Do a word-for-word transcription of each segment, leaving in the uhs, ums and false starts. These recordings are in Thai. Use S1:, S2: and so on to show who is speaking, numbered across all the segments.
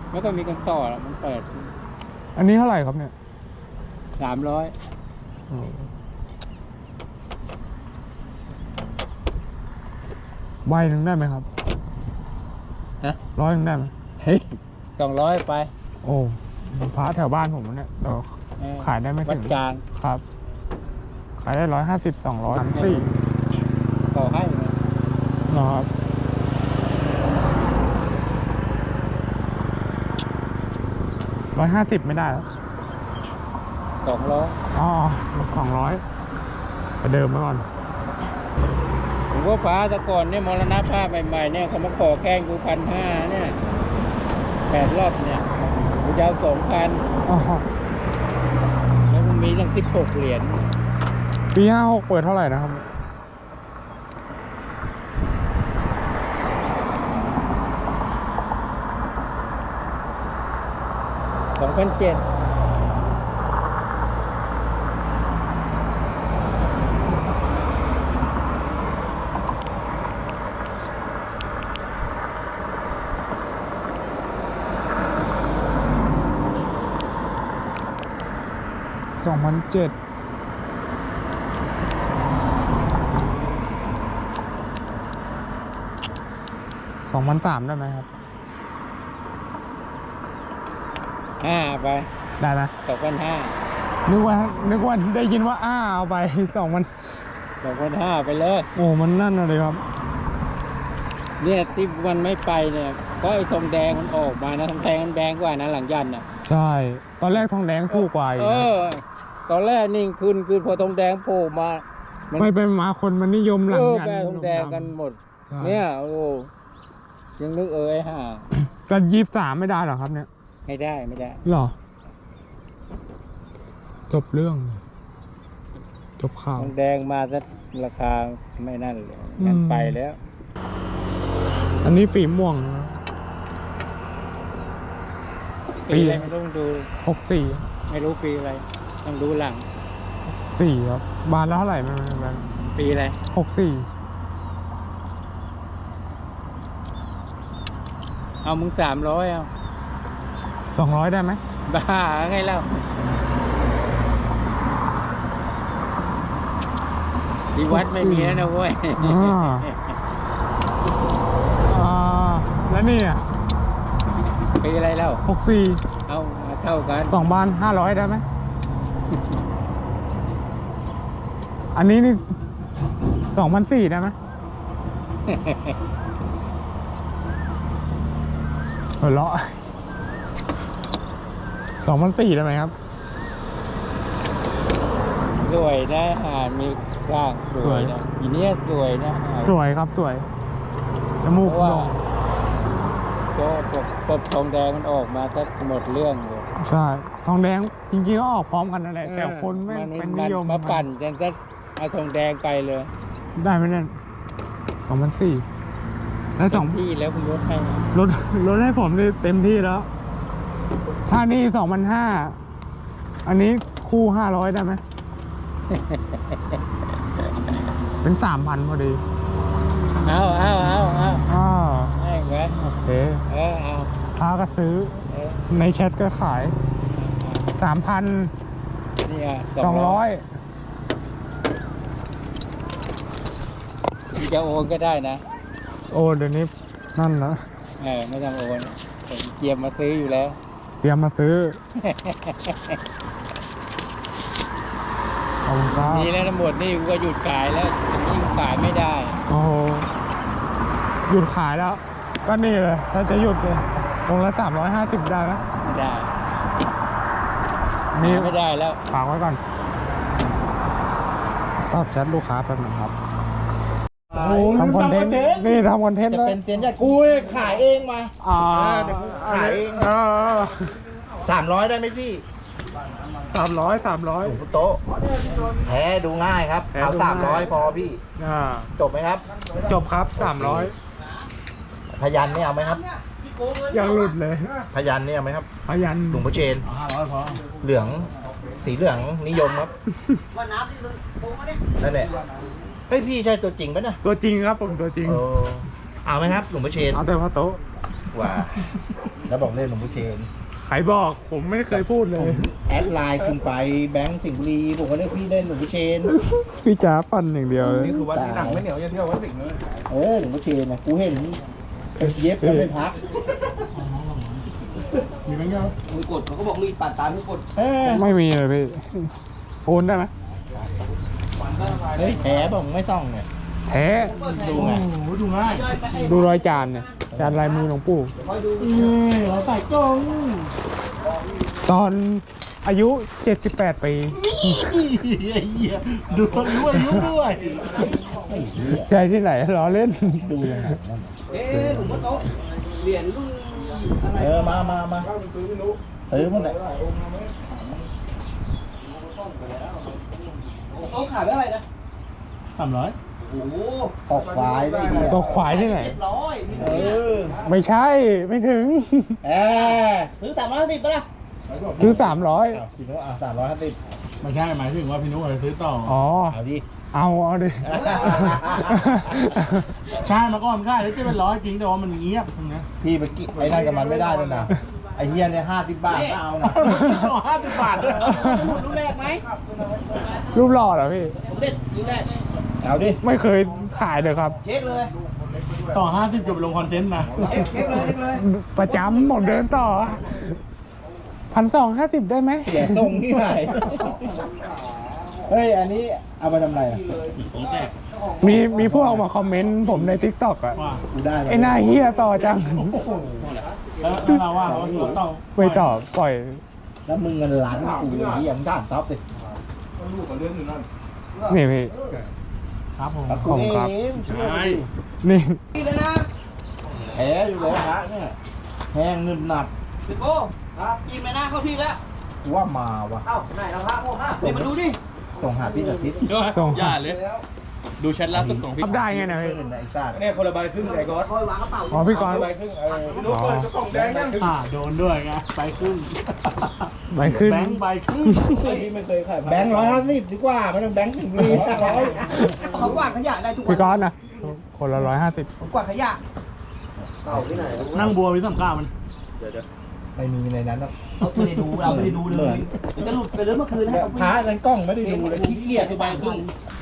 S1: ไม่ก็มีคนต่อแล้วมันเปิด
S2: อันนี้เท่าไหร่ครับเนี่ย
S1: สามร้อย
S2: ใบหนึ่งได้ไหมครับ
S1: นะ
S2: ร้อยหนึ่งได้ไหม
S1: เฮ้ยสองร้อยไป
S2: โอ้พระแถวบ้านผมเนี่ยต่อขายได้ไม่ถึง
S1: จาน
S2: ครับขายได้ร้อยห้าสิบสองร้อยสามสี่
S1: ต่อให้
S2: นะครับร้อยห้าสิบไม่ได้แล้ว
S1: สองร้อย
S2: อ๋อสองร้อยไปเดิมมาก่อน
S1: ผมว่าฟ้าตะก่อนเนี่ยมรณภาพใหม่ๆเนี่ยเขามาขอแกงกูพันห้าเนี่ยแปดรอบเนี่ยกูจะเอาสองพันแล้วมันมีตั้งสิบหกเหรียญ
S2: ปีห้าหกเปิดเท่าไหร่นะครับ
S1: สองพันเจ็ด
S2: สองพันเจ็ดสองพันสามได้ไหมครับ
S1: ห้าไป
S2: ได้ไหม
S1: สองพันห้า
S2: นึกว่านึกว่าได้ยินว่าอ้าเอาไปสองพัน
S1: สองพันห้าไปเลย
S2: โอ้มันนั่นอะไรครับ
S1: เนี่ยที่มันไม่ไปเนี่ยก็ไอ้ทองแดงมันออกมานะทองแดงมันแดงกว่านะหลังยันอ่ะ
S2: ใช่ตอนแรกทองแดงถูกกว่า
S1: เออตอนแรกนิ่งขึ้นคือพอทองแดงโผล่มา
S2: ไม่ไปมาคนมันนิยมหลังยัน
S1: แปลทองแดงกันหมดเนี่ยโอ้ยังนึกเออไอ้ห่า
S2: กันยี่สิบสามไม่ได้หรอครับเนี่ย
S1: ไม่ได้ไม่ได้
S2: หรอจบเรื่องจบข่าว
S1: ทองแดงมาซะราคาไม่นั่นเลยงั้นไปแล้ว
S2: อันนี้ฝีม่วง
S1: ปีอะไรไม่รู้ดู
S2: หกสี่
S1: ไม่รู้ปีอะไรต้องดูหลัง
S2: สี่ครับบานแล้วเท่าไหร่มันมัน
S1: ปีอะไร
S2: หกสี่
S1: เอามึงสามร้อยเอา
S2: สองร้อยได้ไหม
S1: บ้าไงเล่าที่วัดไม่มีแล้วนะเว้ย
S2: อ่าแล้วนี่อ่ะ
S1: ปีอะไรเล่า
S2: หกสี่
S1: เอามาเท่ากัน
S2: สองบานห้าร้อยได้ไหมอันนี้นี่สองพันสี่ได้ไหมหัวเราะสองพันสี่ได้ไหมครับ
S1: สวยนะหามีกล้างสวยนะอีเนี้ยสวยนะ
S2: สวยครับสวยจมูกโด่ง
S1: ก็ปบทองแดงมันออกมาถ้าหมดเรื่องเลย
S2: ใช่ทองแดงจริงๆก็ออกพร้อมกันนั่นแหละแต่คนไม่เป็นนิยม
S1: มาปั่นจนก็เอาทองแดงไปเลย
S2: ได้ไหมเนี่ยสองพันสี่แล้วสอง
S1: ที่แล้วคุณลดให้
S2: ลดลดให้ผมเต็มที่แล้วถ้านี่สองพันห้าอันนี้คู่ห้าร้อยได้ไหมเป็นสามพันพอดี
S1: เอาเอาเอาเอา
S2: อ้าว
S1: ให้เงิน
S2: โอเค
S1: เออเอา
S2: พาก็ซื้อในแชทก็ขายสามพัน
S1: นี่อ่ะ
S2: สองร้อย
S1: จะโอนก็ได้นะ
S2: โอ้เดี๋ยวนี้นั่นนะ
S1: เออไม่ต้องโอนเตรียมมาซื้ออยู่แล้ว
S2: เตรียมมาซื้อ
S1: มีแล้วทั้งหมดนี่ก็หยุดขายแล้วนี่ขายไม่ได้
S2: โอ้โหหยุดขายแล้วก็นี่เลยถ้าจะหยุดเลยตรงละสามร้อยห้าสิบได้ไหม
S1: ไม่ได้
S2: นี่
S1: ไม่ได้แล้ว
S2: ฝากไว้ก่อนตอบแชทลูกค้าแป๊บนึงครับทำคอนเทนต์นี่ทำคอนเทนต์
S1: จะเป็นเสียงจากกูขายเองมา
S2: อ่า
S1: ขายเองสามร้อยได้ไหมพี่
S2: สามร้อยสามร้อย
S1: โต๊ะแท้ดูง่ายครับเอาสามร้อยพอพี่จบไหมครับ
S2: จบครับสามร้อย
S1: พยันนี่เอาไหมครับ
S2: ยังหลุดเลย
S1: พยันนี่เอาไหมครับ
S2: พยัน
S1: หลวงพ่อเชนห้าร้อยพอเหลืองสีเหลืองนิยมครับนั่นแหละเฮ้ยพี่ใช่ตัวจริงปะเนี่ย
S2: ตัวจริงครับผมตัวจริง
S1: เอาไหมครับหลวงพ่อเชน
S2: เอาแต่พอโต๊ะ
S1: ว่า
S3: แล้วบอกเล่นหลวงพ่อเชน
S2: ใครบอกผมไม่เคยพูดเลย
S3: แอดไลน์คุณไปแบงค์สิงห์บุรีผมก็เรียกพี่เล่นหลวงพ่อเชน
S2: พี่จ๋าปั่นอย่างเดียวเลย
S3: นี่คือวัดที่หนังไม่เหนียวจะเที่ยววัดสิงห์เลยเออหลวงพ่อเชนนะกูเห็นเย็บกันไม่พักมีไหมเงี้ย
S4: มือกดเขาก็บอกมีปัดตามมือกด
S3: เออ
S2: ไม่มีเลยพี่โอนได้ไหม
S3: เฮ้ยแผลบอกไม่ต้องเนี่ย
S2: แท้
S3: ดูไงดูง่าย
S2: ดูรอยจานเนี่ยจานลายมือหลวงปู่
S3: อืมเราใส่กล้อง
S2: ตอนอายุเจ็ดสิบแปดปี
S3: ไอ้เหี้ยดูรู้อายุด้วยไอ้เหี้ย
S2: ใช่ที่ไหนล้อเล่น
S3: ดูยังไงนั่น
S4: เอ๊ะหลวงพ่อโตเหรียญรุ่นอะไร
S3: เออมามามาซื้อมันไหน
S4: โต๊ะขายได้อะไรนะ
S3: สามร้อย
S4: โอ้โห
S3: ตกควายได้เหี้ย
S2: ตกควายที่ไหน
S4: เจ็ดร้อยนี่
S3: เอ
S4: เนี่ย
S3: อ
S2: ไม่ใช่ไม่ถึง
S3: เออซื้อสามร้อยสิบปะล่ะ
S2: ซื้อสามร้อย
S3: อ้าวพี่นุ๊กอ่ะสามร้อยห้าสิบ
S5: ไม่ใช่หมายถึงว่าพี่นุ๊กจะซื้อต่อ
S2: อ๋อ
S3: เอาดิ
S2: เอาเอาดิ
S5: ใช่มาก่อนไม่ได้แล้วจะเป็นร้อยจริงแต่ว่ามันเงียบตรงเนี้ย
S3: พี่ไปกิไอ้นั่นกับมันไม่ได้แล้วนะไอ้เฮียเนี่ยห้าสิบบาทก็เอานะ
S5: ห้าสิบบาทด้วย
S4: รุ่นแรกไหม
S2: รูปหล่อเหรอพี่
S4: ผมเด็ดรุ่นแรก
S3: เอาดิ
S2: ไม่เคยขายเลยครับ
S4: เช็คเลย
S5: ต่อห้าสิบจะไปลงคอนเทนต์นะ
S4: เช็คเช็คเลยเช็คเลย
S2: ประจำผมเดินต่อพันสองห้าสิบได้ไหม
S3: เสียทรงที่ไหนเฮ้ยอันนี้เอาไปทำอะไรอ่ะ
S2: มีมีพวกมาคอมเมนต์ผมในทิกตอกอะ
S5: ว่า
S3: กูได้
S2: ไอ้หน้าเฮียต่อจัง
S5: แล้วแล้วเราว่าเขาตัวต่อ
S2: ไม่ต่อปล่อย
S3: แล้วมึงเงินล้านกูไอ้เฮียมึงถามท็อปสิ
S2: นี่พี่
S5: ครับผม
S3: แล้วกู
S2: ผม
S3: เอ
S2: ครับ
S3: งเชื่อดิ
S2: นี่
S4: นี่เลยนะ
S3: แผลอยู่เลยฮะเนี่ยแห้งนึบหนับ
S4: สิบโอ้ครับยิงไปหน้าเข้าที่แล้ว
S3: กูว่ามาวะ
S4: เอ้าไหนเราพระพ่อฮะนี่มาดูดิ
S3: ส่งหาพี่สักทิศ
S2: ส่ง
S5: อย่าเลย ดูแชทล่าสุดของพี่
S2: ทับได้ไงนะพี่
S3: เป็นไอ้ซ่า
S4: เนี่ยคนละใบครึ่งไอ้ก๊อตคอยวางกระเป๋า
S2: อ๋อพี่กรณ์
S3: ใบครึ่งเออ
S2: อ๋อ
S5: อ่าโดนด้วยไงไปครึ่ง
S2: ใบขึ้น
S5: แบงค์ใบครึ่ง
S3: พี่ไม่เคยขายแบงค์ร้อยห้าสิบดีกว่าไม่ต้องแบงค์ถึงรีร้อย
S4: เขากวาดขยะได้ทุกวั
S2: พี่กรณ์นะคนละร้อยห้าสิบ
S4: ผมกวาดขยะเต่าที่ไหน
S5: นั่งบัววิสัมก้ามัน
S3: ไม่มีในนั้นหรอก
S4: เราไม่ได้ดูเราไม่ได้ดูเลยเดี๋ยวจะหลุดไปเลยเมื่อคืนนะ
S3: เนี่ยพระนั้นกล้องไม่ได้ดูเลยขี้เกียจ
S4: ใบครึ่ง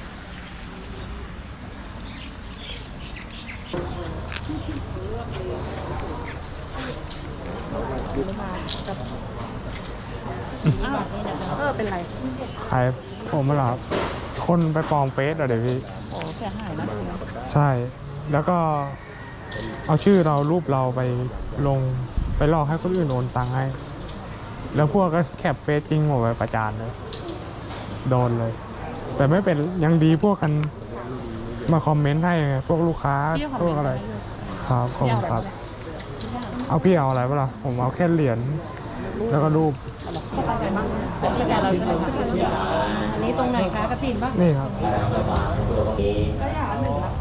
S6: เออเป็นไร
S2: ใครผมมาหรอครับคนไปปลอมเฟซอะเดี๋ยวพี่
S6: โอ้เสียหายนะ
S2: ใช่ แล้วก็เอาชื่อเรารูปเราไปลงไปหลอกให้คนอื่นโอนตังค์ให้ แล้วพวกก็แคปเฟซจริงหมดไปประจานเลย โดนเลย แต่ไม่เป็นยังดีพวกกันมาคอมเมนต์ให้ไงพวกลูกค้า
S6: พี่ขอ
S2: พวกอะไร
S6: เมนต์ให้ด้วย
S2: ครับขอบคุณครับ เอาพี่เอาอะไรปะล่ะผมเอาแค่เหรียญแล้วก็รูป
S6: รายการเราอยู่ไหนคะอันนี้ตรงไหนคะกระถินปะ
S2: นี่ครับ
S6: ก็อย่างละหนึ่งนะคะ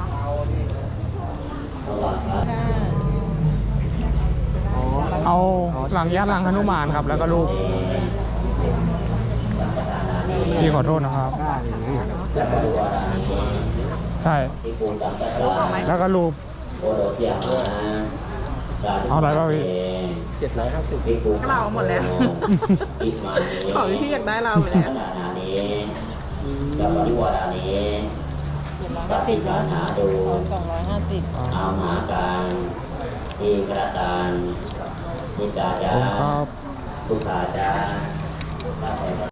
S6: ค่ะ
S2: เอาหลังยัดหลังหนุมานครับ แล้วก็รูปพี่ขอโทษนะครับ ใช่ แล้วก็รูปเอาอะไรบ้างพี่
S6: ก็เราหมดแล้ว ของที่อยากได้เราไปแล้วก็ติดแล้วสองร้อยห้าสิบ
S7: เอามาการที่กระตานนิจา
S2: ผ
S7: จาม
S2: ครับ
S7: ทุกขาจา